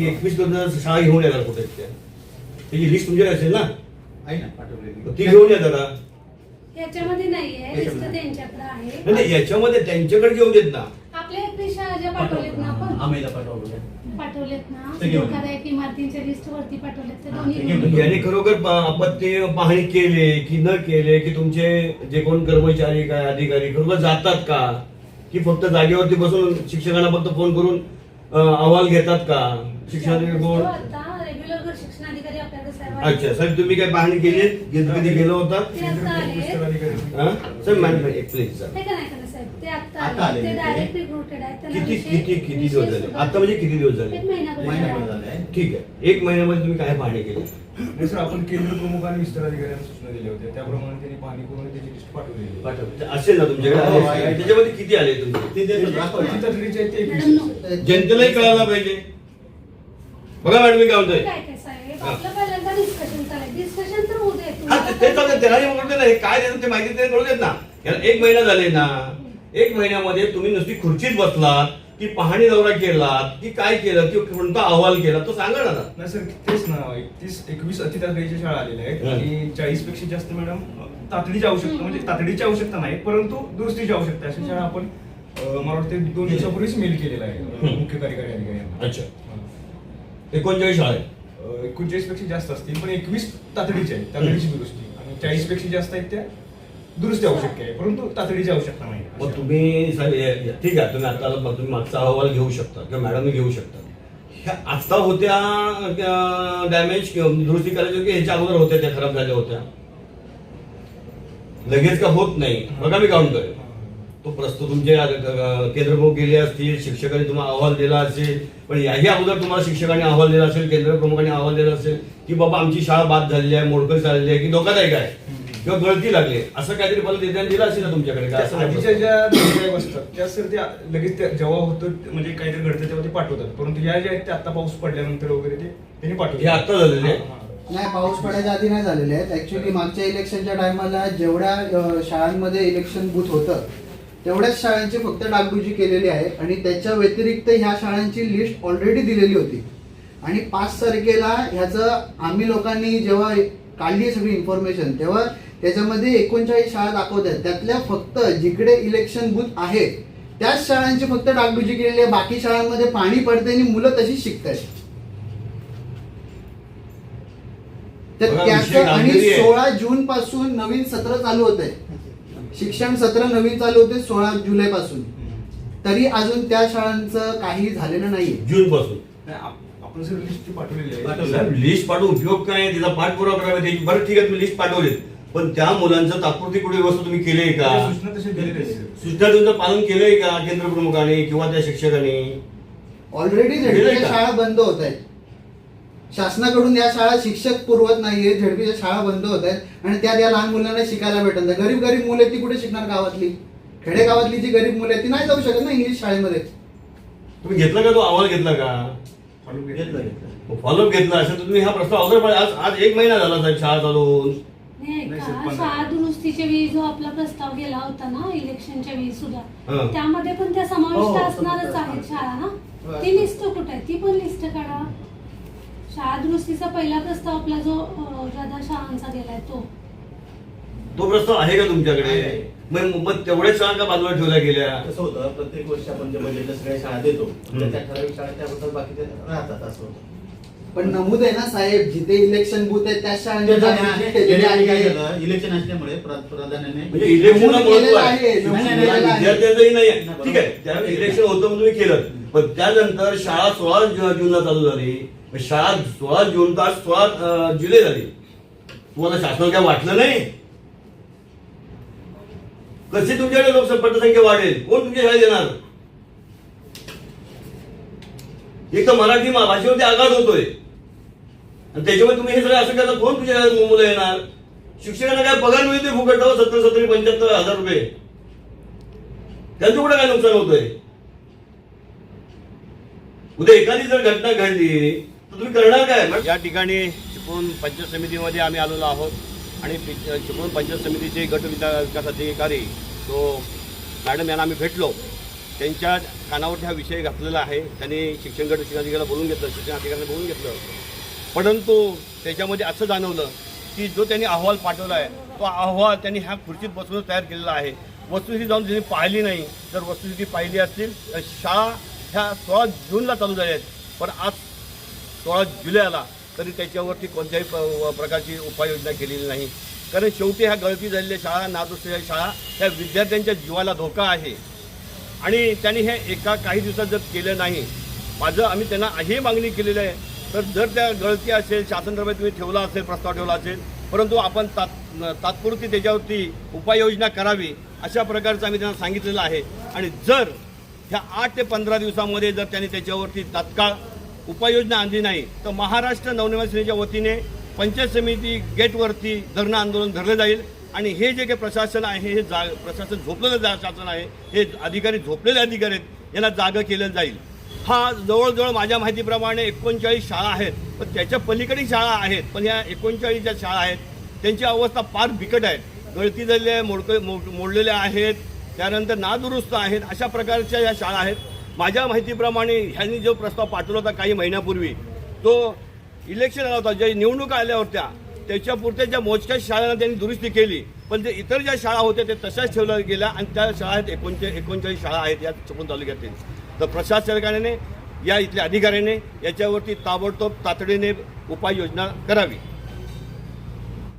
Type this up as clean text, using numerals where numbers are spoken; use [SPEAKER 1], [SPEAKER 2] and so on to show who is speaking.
[SPEAKER 1] ती 21 शाळा घेऊन येणार कुठे त्या त्याची लिस्ट तुमच्याकडे असेल ना?
[SPEAKER 2] आहे ना पाठवलेली.
[SPEAKER 1] ती घेऊन या जरा.
[SPEAKER 3] याच्यामध्ये नाहीये, लिस्ट त्यांच्याकडे आहे.
[SPEAKER 1] नाही याच्यामध्ये त्यांच्याकडे घेऊन देत ना.
[SPEAKER 3] आपल्या 21 शाळा ज्या पाठवलेत ना आपण
[SPEAKER 2] आम्हाला पाठवलं.
[SPEAKER 3] पाठवलेत ना,
[SPEAKER 2] ते घेऊन
[SPEAKER 3] एखाद्या एक इमारतींच्या लिस्ट वरती पाठवलेत ते
[SPEAKER 2] हा,
[SPEAKER 3] दोन्ही
[SPEAKER 2] ते
[SPEAKER 3] घेऊन
[SPEAKER 2] घेऊन
[SPEAKER 3] या.
[SPEAKER 1] याने खरोखर आपण ते पाहणी केले की न केले की तुमचे जे कोण कर्मचारी काय अधिकारी खरोखर जातात का की फक्त जागेवरती बसून शिक्षकांना फक्त फोन करून अहवाल घेतात का? शिक्षणाधिकारी कोण?
[SPEAKER 3] आता रेग्युलर शिक्षणाधिकारी आपल्याकडे सर्व आहेत.
[SPEAKER 1] अच्छा साहेब तुम्ही काय पाहणी केली? कधी गेलो होता?
[SPEAKER 3] ते आता आले.
[SPEAKER 1] Sir madam please sir.
[SPEAKER 3] ते का नाही करत साहेब, ते
[SPEAKER 2] आता
[SPEAKER 3] आता आले.
[SPEAKER 2] आले
[SPEAKER 3] ते
[SPEAKER 2] ते.
[SPEAKER 3] डायरेक्ट रिक्रुटेड आहेत. त्यांना
[SPEAKER 1] किती
[SPEAKER 3] विषय-
[SPEAKER 1] किती किती दिवस
[SPEAKER 3] विषय
[SPEAKER 1] झाले?
[SPEAKER 3] सुद्धा-
[SPEAKER 1] आता म्हणजे किती दिवस झाले?
[SPEAKER 3] एक महिनाभर
[SPEAKER 2] महिनाभर
[SPEAKER 3] झाला.
[SPEAKER 2] झालाय.
[SPEAKER 1] ठीक आहे. 1 महिन्यामध्ये तुम्ही काय पाहणी केली?
[SPEAKER 4] नाही सर, आपण केंद्र प्रमुख आणि विस्तार अधिकाऱ्यांना सूचना दिल्या होत्या, त्याप्रमाणे त्यांनी पाहणी करून त्याची लिस्ट पाठवलेली.
[SPEAKER 1] असेल ना तुमच्याकडे?
[SPEAKER 2] हो,
[SPEAKER 1] आहे.
[SPEAKER 2] आहे.
[SPEAKER 1] त्याच्यामध्ये किती आले तुमचे?
[SPEAKER 2] ते देतो, दाखवा
[SPEAKER 4] किती
[SPEAKER 2] ना.
[SPEAKER 4] तातडीचे आहेत ते
[SPEAKER 3] मॅडम,
[SPEAKER 4] 21.
[SPEAKER 1] जनतेलाही कळायला पाहिजे. बघा मॅडम मी काय म्हणतोय.
[SPEAKER 3] काय काय साहेब, आपलं पहिल्यांदा डिस्कशन चालेल. डिस्कशन तर होऊ दे.
[SPEAKER 1] हा ते चालतं त्यालाही म्हणून देत ना हे काय देतात ते माहिती ते कळू देत ना. याला 1 महिना झाले ना. 1 महिन्यामध्ये तुम्ही नुसती खुर्चीत बसलात की पाहणी दौरा केलात की काय केलं की कोणता अहवाल केला तो सांगा ना.
[SPEAKER 4] नाही सर, तेच ना, 21 अति तातडीच्या शाळा आलेल्या आहेत आणि 40 पेक्षा जास्त मॅडम तातडीची आवश्यकता, म्हणजे तातडीची आवश्यकता नाही परंतु दुरुस्तीची आवश्यकता अशा शाळा आपण मला वाटते 2 दिवसापूर्वीच मेल केलेला आहे मुख्य कार्यकारी अधिकाऱ्यांना.
[SPEAKER 1] अच्छा 39 शाळा आहेत.
[SPEAKER 4] 39 पेक्षा जास्त असतील पण 21 तातडीच्या आहेत, तातडीची दुरुस्ती, आणि 40 पेक्षा जास्त आहेत त्या दुरुस्ती आवश्यक आहे परंतु तातडीची आवश्यकता नाही.
[SPEAKER 1] मग तुम्ही ठीक आहे तुम्ही आता तुम्ही मागचा अहवाल घेऊ शकता किंवा मॅडम घेऊ शकता. ह्या आता होत्या डॅमेज दुरुस्ती करायची की ह्याच्या अगोदर होत्या त्या खराब झाल्या होत्या? लगेच का होत नाही. बघा मी काउंट करेल. तो प्रस्तुत तुमचे केंद्रप्रमुख गेले असतील, शिक्षकांनी तुम्हाला अहवाल दिला असेल, पण याही अगोदर तुम्हाला शिक्षकांनी अहवाल दिला असेल, केंद्र प्रमुखांनी अहवाल दिला असेल की बाबा आमची शाळा बाद झालेली आहे, मोडकळ झालेली आहे की धोकादायक आहे किंवा गळती लागली, असं काहीतरी मला देण्यात दिलं असेल ना तुमच्याकडे काय? असं
[SPEAKER 4] आधीच्या ज्या नोंदणी असतात त्या सर त्या लगेच जेव्हा होतं म्हणजे काहीतरी घडतं तेव्हा ते पाठवतात, परंतु या ज्या आहेत त्या आता पाऊस पडल्यानंतर वगैरे ते त्यांनी
[SPEAKER 1] हे
[SPEAKER 4] पाठवले.
[SPEAKER 1] आता झालेले आहे?
[SPEAKER 5] नाही, पाऊस पडायच्या आधी नाही झालेले आहेत. ऍक्च्युली मागच्या इलेक्शनच्या टायमाला जेवढ्या शाळांमध्ये इलेक्शन बूथ होतं तेवढ्याच शाळांची फक्त डागडुजी केलेली आहे आणि त्याच्या व्यतिरिक्त ह्या शाळांची लिस्ट ऑलरेडी दिलेली होती. आणि 5 तारखेला ह्याचं आम्ही लोकांनी जेव्हा काढली सगळी इन्फॉर्मेशन तेव्हा त्याच्यामध्ये 39 शाळा दाखवतात. त्यातल्या फक्त जिकडे इलेक्शन बूथ आहे त्याच शाळांची फक्त डागडुजी केलेली आहे. बाकी शाळांमध्ये पाणी पडते आणि मुलं तशीच शिकतात. तर
[SPEAKER 1] बघा,
[SPEAKER 5] त्याचं
[SPEAKER 1] विषय
[SPEAKER 5] आणि
[SPEAKER 1] गांभीर्य आहे.
[SPEAKER 5] 16 जून पासून नवीन सत्र चालू होत आहे. शिक्षण सत्र नवीन चालू होते 16 जुलै पासून. तरी अजून त्या शाळांचं काही झालेलं नाहीये.
[SPEAKER 1] जून पासून
[SPEAKER 4] नाही, आपण सर लिस्ट पाठवलेली आहे.
[SPEAKER 2] पाठवली.
[SPEAKER 1] लिस्ट पाठवून उपयोग काय? तिचा पाठपुरावा करावा त्याची. बरं ठीक आहे तुम्ही लिस्ट पाठवली, पण त्या मुलांचं तात्पुरती कुठे व्यवस्था तुम्ही केली का?
[SPEAKER 4] त्या सूचना तशा दिलेल्या आहेत सर.
[SPEAKER 1] सूचना तुमचं पालन केलंय का केंद्र प्रमुखाने किंवा त्या शिक्षकांनी?
[SPEAKER 5] ऑलरेडी
[SPEAKER 1] दिलंय
[SPEAKER 5] झेडपीच्या
[SPEAKER 1] का?
[SPEAKER 5] शाळा बंद होत आहेत. शासनाकडून या शाळा शिक्षक पुरवत नाहीये. झेडपीच्या शाळा बंद होत आहेत आणि त्या लहान मुलांना शिकायला भेटत नाही. गरीब गरीब मुलं ती कुठे शिकणार? गावातली खेडेगावातली जी गरीब मुलं आहेत ती नाही जाऊ शकत ना इंग्लिश शाळेमध्ये.
[SPEAKER 1] तुम्ही घेतला का तो अहवाल घेतला का?
[SPEAKER 4] Follow
[SPEAKER 2] घेतलं घेतलं.
[SPEAKER 1] फॉलोअप घेतला असेल तर तुम्ही हा प्रस्ताव अगोदर पाहिजे. आज 1 महिना झाला साहेब शाळा चालून.
[SPEAKER 3] नाही
[SPEAKER 4] नाही
[SPEAKER 3] का,
[SPEAKER 4] सर, पण-
[SPEAKER 3] शाळा दुरुस्तीच्या वेळी जो आपला प्रस्ताव गेला होता ना इलेक्शनच्या वेळी
[SPEAKER 1] हा.
[SPEAKER 3] सुद्धा त्यामध्ये पण त्या समाविष्ट
[SPEAKER 2] हो,
[SPEAKER 3] असणारच
[SPEAKER 2] हो.
[SPEAKER 3] आहेत शाळा ना. ती लिस्ट कुठे आहे? ती पण लिस्ट काढा. शाळा दुरुस्तीचा पहिला प्रस्ताव आपला जो ज्यादा शाळांचा गेलाय
[SPEAKER 1] तो प्रस्ताव आहे का तुमच्याकडे?
[SPEAKER 2] आहे.
[SPEAKER 1] मग तेवढ्याच शाळा का बाजूला ठेवल्या गेल्या?
[SPEAKER 2] कसं होतं प्रत्येक वर्षी आपण जे बजेटला सगळ्या शाळा देतो त्या ठराविक शाळा त्याबद्दल बाकीचे राहतात असं होतं.
[SPEAKER 5] पण नमूद आहे ना साहेब, जिथे इलेक्शन बूथ आहे त्या शाळांची
[SPEAKER 2] ते झालं
[SPEAKER 5] डागडुजी
[SPEAKER 2] आहे.
[SPEAKER 5] केलेली
[SPEAKER 2] गेल्या वेळी काय
[SPEAKER 5] आहे.
[SPEAKER 2] झालं इलेक्शन असल्यामुळे प्राधान्याने
[SPEAKER 1] म्हणजे इलेक्शनला
[SPEAKER 5] नमूद
[SPEAKER 1] महत्व
[SPEAKER 5] केलेलं
[SPEAKER 1] आहे.
[SPEAKER 5] आहे. नमूद
[SPEAKER 2] नाही, नाही,
[SPEAKER 5] केलेलं आहे.
[SPEAKER 1] विद्यार्थ्यांचंही नाही
[SPEAKER 2] नाही,
[SPEAKER 1] ठीक आहे. त्यावेळेस इलेक्शन होतं म्हणून तुम्ही केलं, पण त्यानंतर शाळा 16 जूनला चालू झाली. शाळा 16 जून तास 16 जुलै झाली. तुम्हाला शासनाला काय वाटलं नाही? कशी तुमच्याकडे लोकसंख्या वाढेल? कोण तुमच्या शाळेत येणार? एक तर मराठी भाषेवरती आघात होतोय आणि त्याच्यामुळे तुम्ही हे सगळं असं करता. कोण तुमच्या शाळेत मुलं येणार? शिक्षकांना काय पगार मिळतोय फुकट 70-75 रुपये. त्यांचं कुठं काय नुकसान होतंय? उद्या एखादी जर घटना घडली तर तुम्ही करणार काय? या ठिकाणी चिपळूण पंचायत समितीमध्ये आम्ही आलेलो आहोत आणि चिपळूण पंचायत समितीचे गट विकास अधिकारी तो मॅडम यांना आम्ही भेटलो त्यांच्या कानावर हा विषय घातलेला आहे. त्यांनी शिक्षण गट शिक्षणाधिकाऱ्याला बोलून घेतलं, शिक्षण अधिकाऱ्याला बोलून घेतलं, परंतु त्याच्यामध्ये असं जाणवलं की जो त्यांनी अहवाल पाठवला आहे तो अहवाल त्यांनी ह्या खुर्चीत बसून तयार केलेला आहे. वस्तुस्थिती जाऊन त्यांनी पाहिली नाही. जर वस्तुस्थिती पाहिली असतील तर शाळा ह्या 16 जूनला चालू झाल्या आहेत, पण आज 16 जुलै आला तरी त्याच्यावरती कोणत्याही प्रकारची उपाययोजना केलेली नाही. कारण शेवटी ह्या गळती झालेल्या शाळा, नादुरुस्तीच्या शाळा ह्या विद्यार्थ्यांच्या जीवाला धोका आहे आणि त्यांनी हे एका काही दिवसात जर केलं नाही, आम्ही त्यांना ही मागणी केलेली आहे. तर जर त्या गळती असेल, शासनदरबार तुम्ही ठेवला असेल, प्रस्ताव ठेवला असेल, परंतु आपण तात्पुरती त्याच्यावरती उपाययोजना करावी अशा प्रकारचं आम्ही त्यांना सांगितलेलं आहे. आणि जर ह्या 8 ते 15 दिवसामध्ये जर त्यांनी त्याच्यावरती तात्काळ उपाययोजना आणली नाही तर महाराष्ट्र नवनिर्माण सेनेच्या वतीने पंचायत समिती गेटवरती धरणं आंदोलन धरलं जाईल. आणि हे जे काही प्रशासन आहे, हे प्रशासन झोपलेलं शासन आहे, हे अधिकारी झोपलेले अधिकारी आहेत, यांना जागं केलं जाईल. हा जवळजवळ माझ्या माहितीप्रमाणे 39 शाळा आहेत, पण त्याच्या पलीकडे शाळा आहेत, पण या 39 ज्या शाळा आहेत त्यांची अवस्था फार बिकट आहे. गळती झालेल्या मोडलेल्या आहेत, त्यानंतर नादुरुस्त आहेत, अशा प्रकारच्या या शाळा आहेत. माझ्या माहितीप्रमाणे ह्यांनी जो प्रस्ताव पाठवला होता काही महिन्यापूर्वी, तो इलेक्शन आला होता, ज्या निवडणुका आल्या होत्या त्याच्यापुरत्या ज्या मोजक्या शाळांना त्यांनी दुरुस्ती केली, पण जे इतर ज्या शाळा होत्या त्या तशाच ठेवल्या गेल्या आणि त्या शाळा आहेत 39 शाळा आहेत या चिपळूण तालुक्यातील. तर प्रशासकाने या इथल्या अधिकाऱ्याने याच्यावरती ताबडतोब तातडीने उपाययोजना करावी.